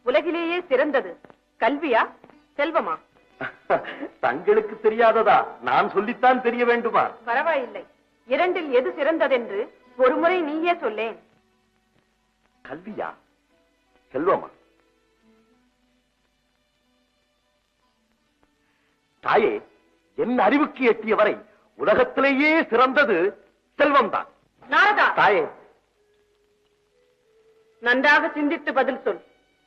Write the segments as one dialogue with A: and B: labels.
A: உலகிலேயே சிறந்தது கல்வியா செல்வமா?
B: தங்களுக்கு தெரியாததா? நான் சொல்லித்தான் தெரிய வேண்டுமா?
A: பரவாயில்லை, இரண்டில் எது சிறந்ததென்று ஒருமுறை நீயே சொல்லேன்.
B: கல்வியா செல்வமா? தாயே, என் அறிவுக்கு எட்டிய வரை உலகத்திலேயே சிறந்தது செல்வம்தான்.
A: நாரதா,
B: தாயே,
A: நன்றாக சிந்தித்து பதில் சொல்.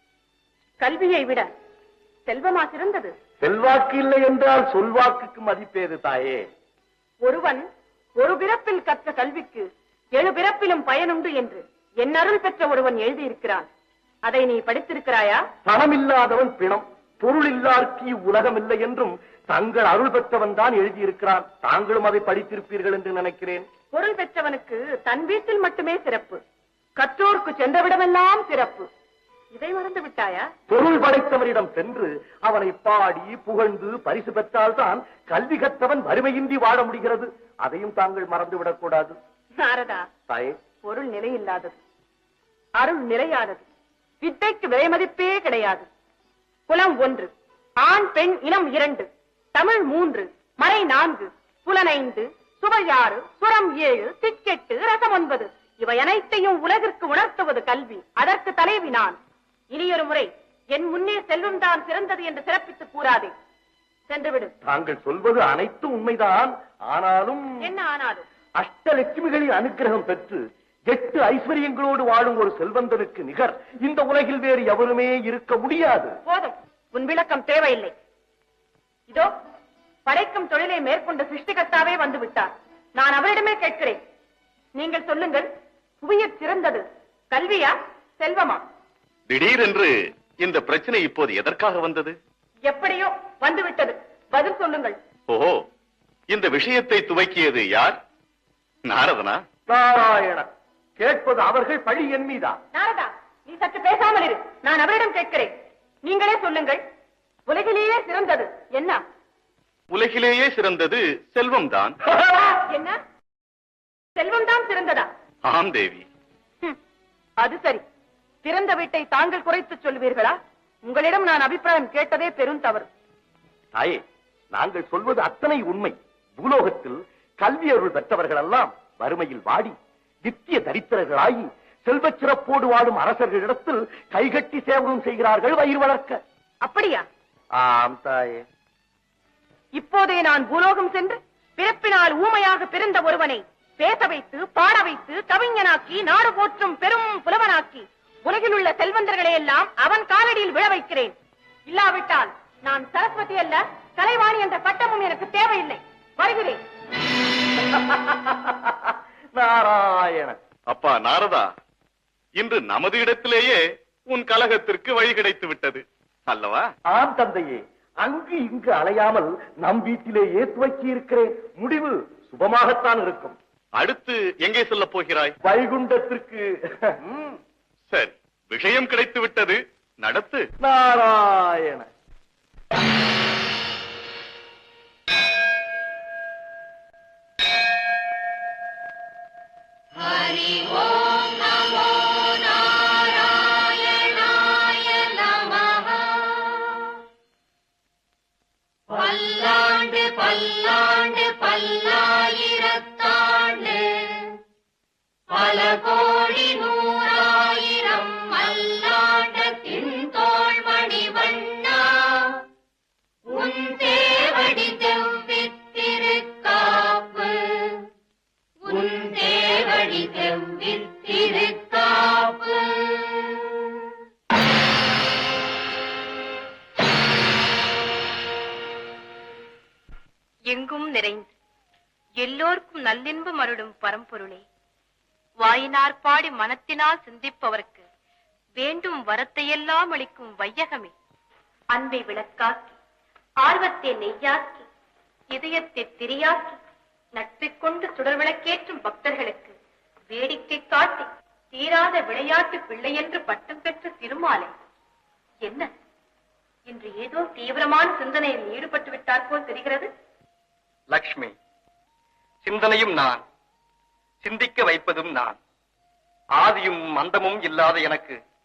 A: கல்வியை விட செல்வமா சிறந்தது?
B: செல்வாக்கு இல்லை என்றால் சொல்வாக்குக்கு மதிப்பேது தாயே.
A: ஒருவன் ஒரு பிறப்பில் கற்ற கல்விக்கு 7 பிறப்பிலும் பயனுண்டு என்று என் அருள் பெற்ற ஒருவன் எழுதியிருக்கிறான். அதை நீ படித்திருக்கிறாயா?
B: பணம் இல்லாதவன் பிணம், பொருள் இல்லார்க்கு உலகம் இல்லை என்றும் தங்கள் அருள் பெற்றவன் தான் எழுதியிருக்கிறான். தாங்களும் அதை படித்திருப்பீர்கள் என்று நினைக்கிறேன்.
A: பொருள் பெற்றவனுக்கு தன் வீட்டில் மட்டுமே சிறப்பு, கற்றோருக்கு சென்றவிடமெல்லாம் சிறப்பு. இதை மறந்து விட்டாயா?
B: பொருள் படைத்தவனிடம் சென்று அவனை பாடி புகழ்ந்து பரிசு பெற்றால்தான் கல்வி கற்றவன் வறுமையின்றி வாழ முடிகிறது. அதையும் தாங்கள் மறந்துவிடக் கூடாது.
A: நாரதா,
B: தாயே,
A: பொருள் நிலையில்லாதது, அருள் நிலையானது. வித்தைக்கு விலை மதிப்பே கிடையாது. குலம் 1, ஆண் பெண் இனம் 2, தமிழ் 3, மறை 4, புலன் 5, சுவை 6, சுரம் 7, திக்கெட்டு, ரசம் 9. இவை அனைத்தையும் உலகிற்கு உணர்த்துவது கல்வி. அதற்கு தலைவி நான். இனியொரு முறை என் முன்னே செல்வம் தான் சிறந்தது என்று சிறப்பித்து கூறாதே. சென்றுவிடு.
B: தாங்கள் சொல்வது அனைத்தும் உண்மைதான். ஆனாலும்
A: என்ன ஆனாலும்?
B: அஷ்டலட்சுமிகளின் அனுகிரகம் பெற்று 8 ஐஸ்வர்யங்களோடு வாழும் ஒரு செல்வந்தனுக்கு நிகர் இந்த உலகில் வேறு எவருமே இருக்க முடியாது.
A: போதும், உன் விளக்கம் தேவையில்லை. இதோ படைக்கும் தொழிலை மேற்கொண்ட சிருஷ்டிகர்த்தாவே வந்து விட்டார். நான் அவரிடமே கேட்கிறேன். நீங்கள் சொல்லுங்கள், புவியற் சிறந்தது கல்வியா செல்வமா?
C: திடீரென்று இந்த பிரச்சனை இப்போது எதற்காக வந்தது?
A: எப்படியோ வந்துவிட்டது. பதில் சொல்லுங்கள்.
C: ஓஹோ, இந்த விஷயத்தை துவக்கியது யார்? நாரதனா?
B: நாராயண, கேட்பது அவர்கள், பழி என் மீதா?
A: நாரதா, நீ சற்று பேசாமல் இரு. நான் அவரிடம் கேட்கிறேன். நீங்களே சொல்லுங்கள், உலகிலேயே சிறந்தது என்ன?
C: உலகிலேயே சிறந்தது செல்வம்தான்.
A: என்ன, செல்வம்தான் சிறந்ததா?
C: ஆம் தேவி.
A: அது சரி. சிறந்த வீட்டை தாங்கள் குறைத்து சொல்வீர்களா? உங்களிடம் நான் அபிப்பிராயம் கேட்டதே பெரும் தவறு.
B: தாயே, நாங்கள் சொல்வது அத்தனை உண்மை. பூலோகத்தில் கல்வி அருள் பெற்றவர்கள் எல்லாம் வறுமையில் வாடி நித்திய தரித்திரர்களாகி செல்வச் சிறப்போடு வாடும் அரசர்களிடத்தில் கைகட்டி சேவகம் செய்கிறார்கள் வயிறு வளர்க்க.
A: அப்படியா?
B: ஆம் தாயே.
A: இப்போதே நான் பூலோகம் சென்று பிறப்பினால் ஊமையாக பிறந்த ஒருவனை பேச வைத்து பாட வைத்து கவிஞனாக்கி நாடு போற்றும் பெரும் புலவனாக்கி உலகில் உள்ள செல்வந்தர்களை எல்லாம் அவன் காலடியில் விழ வைக்கிறேன். இல்லாவிட்டால் நான் சரஸ்வதி அல்ல, கலைவாணி என்ற பட்டமும் எனக்கு தேவையில்லை. வருகிறேன்.
B: நாராயண.
C: அப்பா நாரதா, இன்று நமது இடத்திலேயே உன் கலகத்திற்கு வழி கிடைத்து விட்டது அல்லவா?
B: ஆம் தந்தையே, அங்கு இங்கு அலையாமல் நம் வீட்டிலேயே துவக்கி இருக்கிறேன். முடிவு சுபமாகத்தான் இருக்கும்.
C: அடுத்து எங்கே சொல்ல போகிறாய்?
B: வைகுண்டத்திற்கு.
C: சரி, விஷயம் கிடைத்து விட்டது, நடத்து.
B: நாராயண.
D: ஹரி ஓம் நமோ நாராயணாய நமஹ. பல்லாண்டு பல்லாண்டு பல்லாயிரத்தாண்டு பல கோடி நூறாயிரம் மல்லாண்டத்தின் தோள்மணி வண்ணா உன் தேவடி செவ்வித்திருக்காப்பு, உன் தேவடி செவ்வித்திருக்காப்பு.
E: எங்கும் நிறைந்து எல்லோருக்கும் நல்லின்பம் அருளும் பரம்பொருளே, வாயினார் பாடி மனத்தினால் சிந்திப்பவர்க்கு வேண்டும் வரத்தையெல்லாம் அளிக்கும் வையகமே, அன்பை விளக்காக்கி ஆர்வத்தை நெய்யாக்கி இதயத்தை திரியாக்கி நட்பைக் கொண்டு சுடர் விளக்கேற்றும் பக்தர்களுக்கு வேடிக்கை காட்டி தீராத விளையாட்டு பிள்ளை என்று பட்டம் பெற்ற திருமாலை, என்ன இன்று ஏதோ தீவிரமான சிந்தனையில் ஈடுபட்டு விட்டார் போல் தெரிகிறது.
F: லக்ஷ்மி, சிந்தனையும் நான், சிந்திக்க வைப்பதும் நான். ஆதியும் மந்தமும் இல்லாத எனக்கு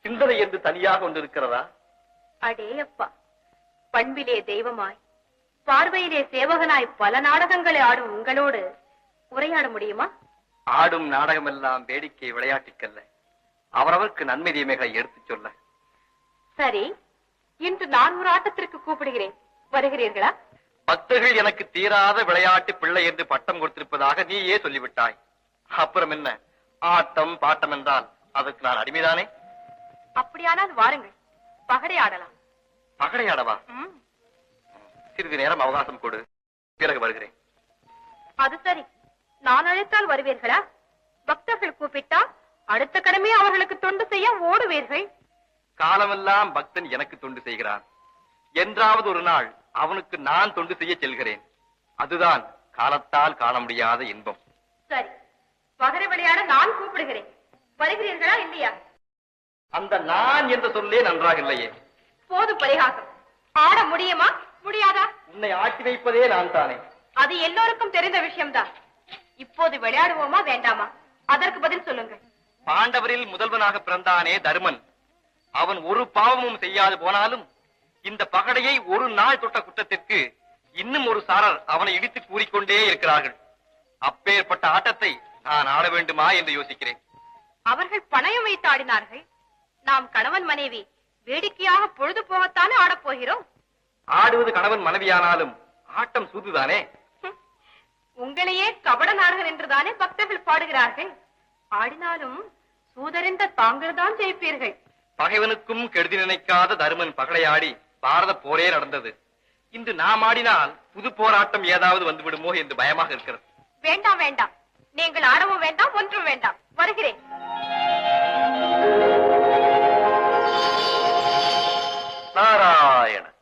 F: சிந்தனை என்று தனியாக ஒன்று இருக்கிறதா?
E: அடே அப்பா, பண்பிலே தெய்வமாய் பார்வையிலே சேவகனாய் பல நாடகங்களை ஆடும் உங்களோடு உரையாட முடியுமா?
F: ஆடும் நாடகமெல்லாம் வேடிக்கை விளையாட்டுக்கல்ல, அவரவருக்கு நன்மை தீமைகளை எடுத்துச் சொல்ல.
E: சரி, இன்று நான் ஒரு ஆட்டத்திற்கு கூப்பிடுகிறேன், வருகிறீர்களா?
F: பக்தர்கள் எனக்கு தீராத விளையாட்டு பிள்ளை என்று பட்டம் கொடுத்திருப்பதாக நீயே சொல்லிவிட்டாய். அப்புறம் என்ன, ஆட்டம் பாட்டம் என்றால் அதற்கு நான் அடிமைதானே?
E: அப்படியானால் வாருங்கள், பகடை ஆடலாம்.
F: பகடையாடவா?
E: ம்,
F: சிறிது நேரம் அவகாசம் கொடு, பிறகு வருகிறேன்.
E: அது சரி, நான் அழைத்தால் வருவீர்களா? பக்தர்கள் கூப்பிட்டால் அடுத்த கடமை அவர்களுக்கு தொண்டு செய்ய ஓடுவீர்கள்.
F: காலமெல்லாம் பக்தன் எனக்கு தொண்டு செய்கிறான். என்றாவது ஒரு நாள் அவனுக்கு நான் தொண்டு செய்ய செல்கிறேன். அதுதான் காலத்தால் காண முடியாத இன்பம்.
E: சரி, பகடை விளையாட நான் கூப்பிடுகிறேன், வருகிறீர்களா இல்லையா?
F: அந்த நான் என்ற சொல்லே நன்றாக இல்லையே.
E: போது பரிகாசம். ஆட முடியுமா முடியாதா?
F: உன்னை ஆட்டி வைப்பதே நான் தானே.
E: அது எல்லோருக்கும் தெரிந்த விஷயம்தான். இப்போது விளையாடுவோமா வேண்டாமா? அதற்கு பதில் சொல்லுங்கள்.
F: பாண்டவரில் முதல்வனாக பிறந்தானே தருமன், அவன் ஒரு பாவமும் செய்யாது போனாலும் இந்த பகடையை ஒரு நாள் தொட்ட குற்றத்திற்கு இன்னும் ஒரு சாரர் அவனை இடித்து கூறிக்கொண்டே இருக்கிறார்கள். அப்பேற்பட்ட ஆட்டத்தை நான் ஆட வேண்டுமா என்று யோசிக்கிறேன்.
E: அவர்கள் பணயம் வைத்து ஆடினார்கள். நாம் கணவன் மனைவி வேடிக்கையாக பொழுது போகத்தானே ஆடப் போகிறோம்.
F: ஆடுவது கணவன் மனைவியானாலும் ஆட்டம் சூதுதானே.
E: உங்களையே கபட நாடகன் என்றுதானே பக்தர்கள் பாடுகிறார்கள். ஆடினாலும் சூதறிந்த தாங்கள் தான் ஜெயிப்பீர்கள்.
F: பகைவனுக்கும் கெடுதி நினைக்காத தருமன் பகடையாடி பாரத போரே நடந்தது. இன்று நாம் ஆடினால் புது போராட்டம் ஏதாவது வந்துவிடுமோ என்று பயமாக இருக்கிறது.
E: வேண்டாம் வேண்டாம், நீங்கள் ஆடவும் வேண்டாம், ஒன்றும் வேண்டாம், வருகிறேன்.
F: நாராயண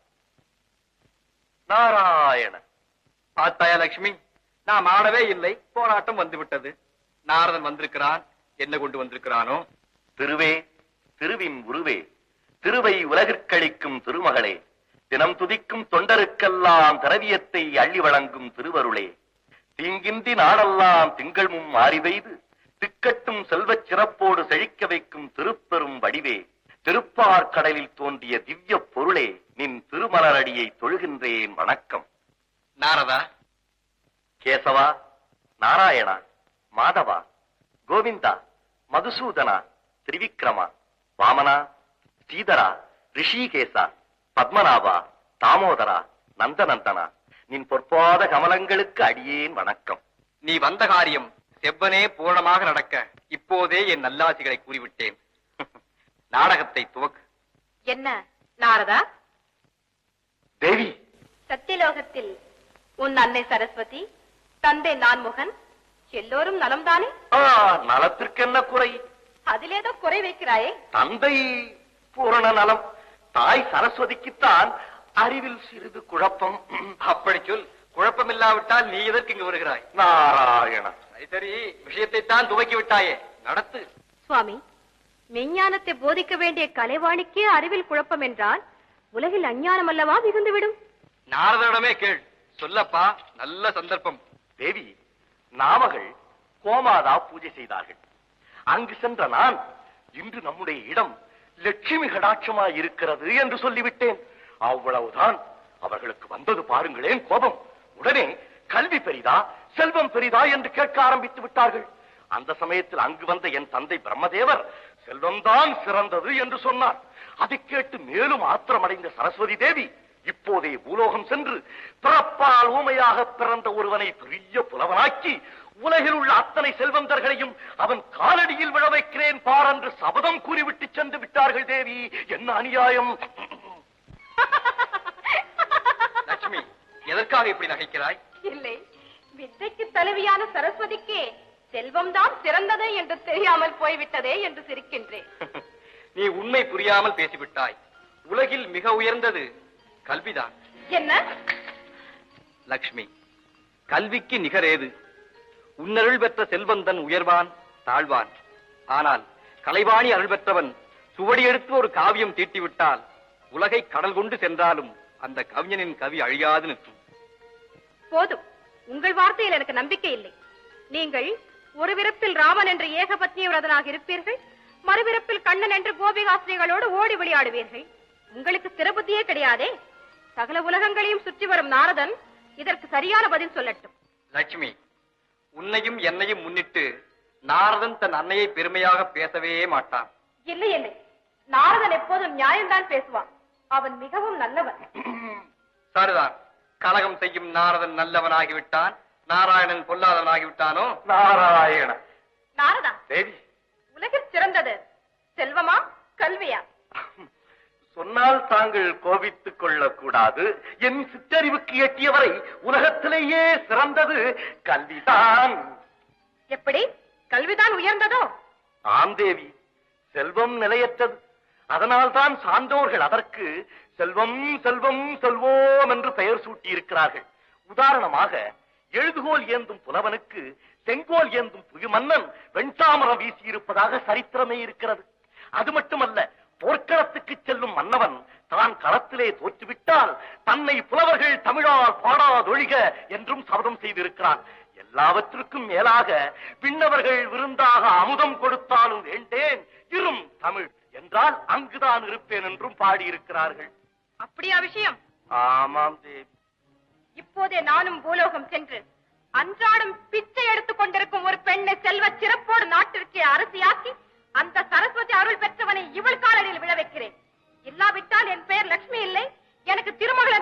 F: நாராயண. பார்த்தாயா லட்சுமி, நாம் ஆடவே இல்லை, போராட்டம் வந்துவிட்டது. நாரதன் வந்திருக்கிறான், என்ன கொண்டு வந்திருக்கிறானோ?
B: திருவே, திருவின் உருவே, திருவை உலகிற்கழிக்கும் திருமகளே, தினம் துதிக்கும் தொண்டருக்கெல்லாம் திரவியத்தை அள்ளி வழங்கும் திருவருளே, தீங்கின்றி நாடெல்லாம் திங்கள்மும் மாறி பெய்து திக்கட்டும் செல்வச் சிறப்போடு செழிக்க வைக்கும் திருப்பெரும் வடிவே, திருப்பார் கடலில் தோன்றிய திவ்ய பொருளே, நின் திருமலரடியை தொழுகின்றேன், வணக்கம்.
F: நாரதா,
B: கேசவா, நாராயணா, மாதவா, கோவிந்தா, மதுசூதனா, திரிவிக்ரமா, வாமனா, ஸ்ரீதரா, ரிஷிகேசா, பத்மநாபா, தாமோதரா, நந்தநந்தனா, நின் பொற்பாத கமலங்களுக்கு அடியேன் வணக்கம்.
F: நீ வந்த காரியம் செவ்வனே பூரணமாக நடக்க இப்போதே என் நல்லாசிகளை கூறிவிட்டேன். நாடகத்தை துவக்கு.
E: என்ன நாரதா?
B: தேவி,
E: சத்தியலோகத்தில் உன் அன்னை சரஸ்வதி, தந்தை நான்முகன் எல்லோரும் நலம்தானே?
B: நலத்திற்கென்ன குறை?
E: அதிலேதோ குறை வைக்கிறாயே.
B: தந்தை பூரண நலம், தாய் சரஸ்வதிக்குத்தான் அறிவில் சிறிது குழப்பம்.
F: அப்படி சொல். குழப்பமில்லாவிட்டால் நீ எதற்கு இங்கு வருகிறாய்?
B: நாராயண.
F: சரி சரி, விஷயத்தை தான் துவக்கி விட்டாயே, நடத்து.
E: சுவாமி, மெஞ்ஞானத்தை போதிக்க வேண்டிய கலைவாணிக்கே அறிவில் குழப்பம் என்றால் உலகில் அஞ்ஞானம் அல்லவா மிகுந்துவிடும்?
F: நாரதனிடமே கேள். சொல்லப்பா, நல்ல சந்தர்ப்பம்.
B: தேவி, நாமகள் கோமாதா பூஜை செய்தார்கள். அங்கு சென்ற நான் இன்று நம்முடைய இடம் லட்சுமி கடாட்சமாய் இருக்கிறது என்று சொல்லிவிட்டேன். அவ்வளவுதான். அவர்களுக்கு வந்தது பாருங்களேன் கோபம். உடனே கல்வி பெரிதா செல்வம் பெரிதா என்று கேட்க ஆரம்பித்து விட்டார்கள். அந்த சமயத்தில் அங்கு வந்த என் தந்தை பிரம்மதேவர் செல்வம்தான் சிறந்தது என்று சொன்னார். அதை கேட்டு மேலும் ஆத்திரமடைந்த சரஸ்வதி தேவி இப்போதே பூலோகம் சென்று பிறப்பால் ஊமையாக பிறந்த ஒருவனை பெரிய புலவனாக்கி உலகில் உள்ள அத்தனை செல்வந்தர்களையும் அவன் காலடியில் விழ வைக்கிறேன் பார் என்று சபதம் கூறிவிட்டு சென்று விட்டார்கள். தேவி, என்ன அநியாயம்!
F: லட்சுமி, எதற்காக இப்படி நகைக்கிறாய்?
E: இல்லை, வித்தைக்கு தலைவியான சரஸ்வதிக்கே செல்வம்தான் சிறந்தது என்று தெரியாமல் போய்விட்டதே என்று சிரிக்கின்றேன்.
F: நீ உண்மை புரியாமல் பேசிவிட்டாய். உலகில் மிக உயர்ந்தது கல்விதான்.
E: என்ன?
F: லட்சுமி, கல்விக்கு நிகரேது? உன்னருள் பெற்ற செல்வந்தன் உயர்வான் தாழ்வான். ஆனால் கலைவாணி அருள் பெற்றவன் சுவடி எடுத்து ஒரு காவியம் தீட்டிவிட்டால் உலகை கடல் கொண்டு சென்றாலும் அந்த கவிஞனின் கவி அழியாது நிற்கும்.
E: போதும், உங்கள் வார்த்தையில் எனக்கு நம்பிக்கை இல்லை. நீங்கள் ஒரு விருப்பில் ராமன் என்ற ஏகபத்னி விரதனாக இருப்பீர்கள், மறுபிறப்பில் கண்ணன் என்று கோபிகாஸ்திரிகளோடு ஓடி விளையாடுவீர்கள். உங்களுக்கு சிறபுத்தியே கிடையாதே. சகல உலகங்களையும் சுற்றி வரும் நாரதன் இதற்கு சரியான பதில் சொல்லட்டும்.
F: லட்சுமி, உன்னையும் என்னையும் முன்னிட்டு நாரதன் தன் அன்னையை பெருமையாக பேசவே மாட்டான்.
E: இல்லை இல்லை, நாரதன் எப்போதும் நியாயம்தான் பேசுவான். அவன் மிகவும் நல்லவன்.
F: சரிதான். கலகம் செய்யும் நாரதன் நல்லவனாகிவிட்டான், நாராயணன் பொல்லாதவனாகிவிட்டானோ?
B: நாராயண
E: நாரதா,
B: தேவி,
E: உலகில் சிறந்தது செல்வமா கல்வியா?
B: சொன்னால் தாங்கள் கோபித்துக் கொள்ளக்கூடாது. என் சிற்றறிவுக்கு எட்டியவரை உலகத்திலேயே சிறந்தது கல்விதான்.
E: எப்படி கல்விதான் உயர்ந்ததோ?
B: ஆம் தேவி, செல்வம் நிலையற்றது. அதனால்தான் சான்றோர்கள் அதற்கு செல்வம் செல்வம் செல்வோம் என்று பெயர் சூட்டியிருக்கிறார்கள். உதாரணமாக, எழுதுகோல் ஏந்தும் புலவனுக்கு செங்கோல் ஏந்தும் புவி மன்னன் வெண்சாமரம் வீசியிருப்பதாக சரித்திரமே இருக்கிறது. அது மட்டுமல்ல, போர்க்களத்துக்கு செல்லும் மன்னவன் தான் களத்திலே தோற்றுவிட்டால் தன்னை புலவர்கள் தமிழால் பாடாதொழிக என்றும் சபதம் செய்திருக்கிறான். எல்லாவற்றுக்கும் மேலாக விண்ணவர்கள் விருந்தாக அமுதம் கொடுத்தாலும் வேண்டேன் இரும் தமிழ் என்றால் அங்குதான் இருப்பேன் என்றும் பாடியிருக்கிறார்கள்.
E: அப்படியா விஷயம்?
B: ஆமாம் தேவி.
E: இப்போதே நானும் பூலோகம் சென்று அன்றாடம் பிச்சை எடுத்துக் கொண்டிருக்கும் ஒரு பெண்ணை செல்வ சிறப்போடு நாட்டிற்கே அரசியாக்கி அந்த சரஸ்வதி அருள் பெற்றவனை இவள் காலடியில் விழ வைக்கிறேன். இல்லாவிட்டால் என் பெயர் லட்சுமி இல்லை, எனக்கு திருமகள்